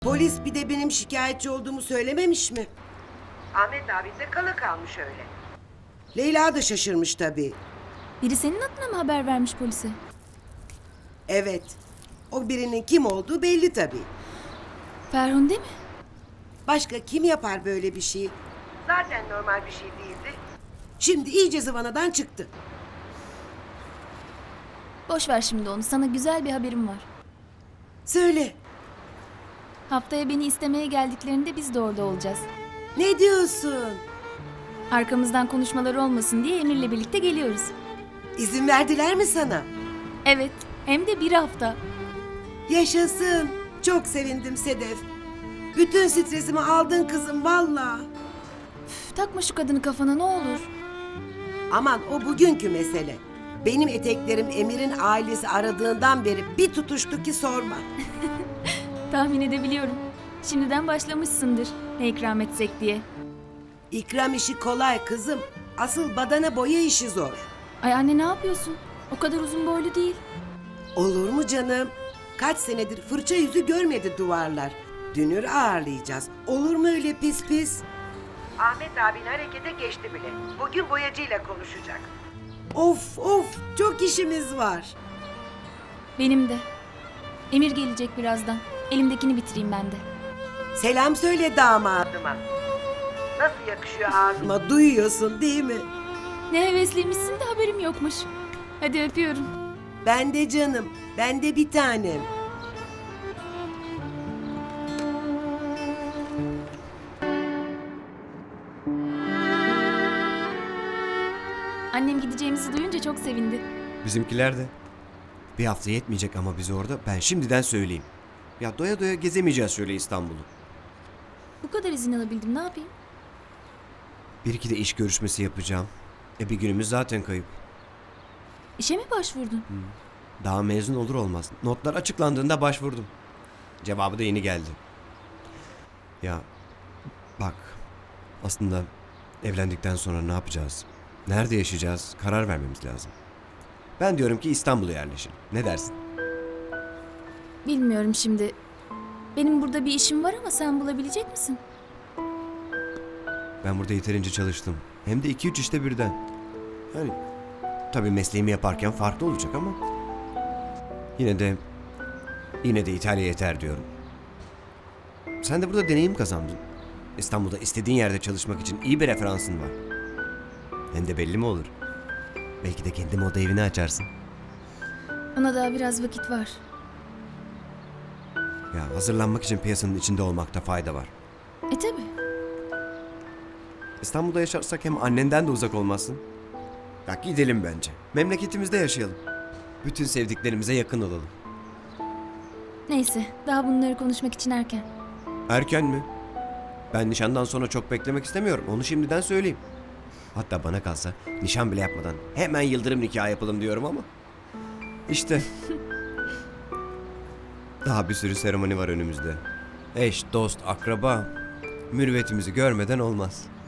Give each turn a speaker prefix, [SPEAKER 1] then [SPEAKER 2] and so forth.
[SPEAKER 1] Polis bir de benim şikayetçi olduğumu söylememiş mi? Ahmet abi de kala kalmış öyle. Leyla da şaşırmış tabii.
[SPEAKER 2] Biri senin adına mı haber vermiş polise?
[SPEAKER 1] Evet. O birinin kim olduğu belli tabii.
[SPEAKER 2] Ferhunde mi?
[SPEAKER 1] Başka kim yapar böyle bir şeyi? Zaten normal bir şey değildi. Şimdi iyice zıvanadan çıktı.
[SPEAKER 2] Boş ver şimdi onu. Sana güzel bir haberim var.
[SPEAKER 1] Söyle.
[SPEAKER 2] Haftaya beni istemeye geldiklerinde biz de orada olacağız.
[SPEAKER 1] Ne diyorsun?
[SPEAKER 2] Arkamızdan konuşmalar olmasın diye Emir'le birlikte geliyoruz.
[SPEAKER 1] İzin verdiler mi sana?
[SPEAKER 2] Evet, hem de bir hafta.
[SPEAKER 1] Yaşasın. Çok sevindim Sedef. Bütün stresimi aldın kızım valla.
[SPEAKER 2] Üf, takma şu kadını kafana ne olur.
[SPEAKER 1] Aman o bugünkü mesele. Benim eteklerim Emir'in ailesi aradığından beri bir tutuştu ki sorma.
[SPEAKER 2] Tahmin edebiliyorum. Şimdiden başlamışsındır ne ikram etsek diye.
[SPEAKER 1] İkram işi kolay kızım. Asıl badana boya işi zor.
[SPEAKER 2] Ay anne ne yapıyorsun? O kadar uzun boylu değil.
[SPEAKER 1] Olur mu canım? Kaç senedir fırça yüzü görmedi duvarlar. Dünür ağırlayacağız. Olur mu öyle pis pis? Ahmet abin harekete geçti bile. Bugün boyacıyla konuşacak. Of of çok işimiz var.
[SPEAKER 2] Benim de. Emir gelecek birazdan. Elimdekini bitireyim ben de.
[SPEAKER 1] Selam söyle damadıma. Nasıl yakışıyor ağzıma duyuyorsun değil mi?
[SPEAKER 2] Ne hevesliymişsin de haberim yokmuş. Hadi öpüyorum.
[SPEAKER 1] Ben de canım. Ben de bir tanem.
[SPEAKER 2] Annem gideceğimizi duyunca çok sevindi.
[SPEAKER 3] Bizimkiler de. Bir hafta yetmeyecek ama bize orada. Ben şimdiden söyleyeyim. Ya doya doya gezemeyeceğiz şöyle İstanbul'u.
[SPEAKER 2] Bu kadar izin alabildim ne yapayım?
[SPEAKER 3] Bir iki de iş görüşmesi yapacağım. Bir günümüz zaten kayıp.
[SPEAKER 2] İşe mi başvurdun?
[SPEAKER 3] Daha mezun olur olmaz. Notlar açıklandığında başvurdum. Cevabı da yeni geldi. Ya bak aslında evlendikten sonra ne yapacağız? Nerede yaşayacağız? Karar vermemiz lazım. Ben diyorum ki İstanbul'a yerleşin. Ne dersin?
[SPEAKER 2] Bilmiyorum şimdi. Benim burada bir işim var ama sen bulabilecek misin?
[SPEAKER 3] Ben burada yeterince çalıştım. Hem de 2-3 işte birden. Yani tabii mesleğimi yaparken farklı olacak ama yine de İtalya yeter diyorum. Sen de burada deneyim kazandın. İstanbul'da istediğin yerde çalışmak için iyi bir referansın var. Hem de belli mi olur? Belki de kendi moda evini açarsın.
[SPEAKER 2] Ona daha biraz vakit var.
[SPEAKER 3] Ya hazırlanmak için piyasanın içinde olmakta fayda var.
[SPEAKER 2] Tabi.
[SPEAKER 3] İstanbul'da yaşarsak hem annenden de uzak olmazsın. Ya gidelim bence. Memleketimizde yaşayalım. Bütün sevdiklerimize yakın olalım.
[SPEAKER 2] Neyse daha bunları konuşmak için erken.
[SPEAKER 3] Erken mi? Ben nişandan sonra çok beklemek istemiyorum. Onu şimdiden söyleyeyim. Hatta bana kalsa nişan bile yapmadan hemen yıldırım nikahı yapalım diyorum ama. İşte. Daha bir sürü seremoni var önümüzde. Eş, dost, akraba. Mürüvvetimizi görmeden olmaz.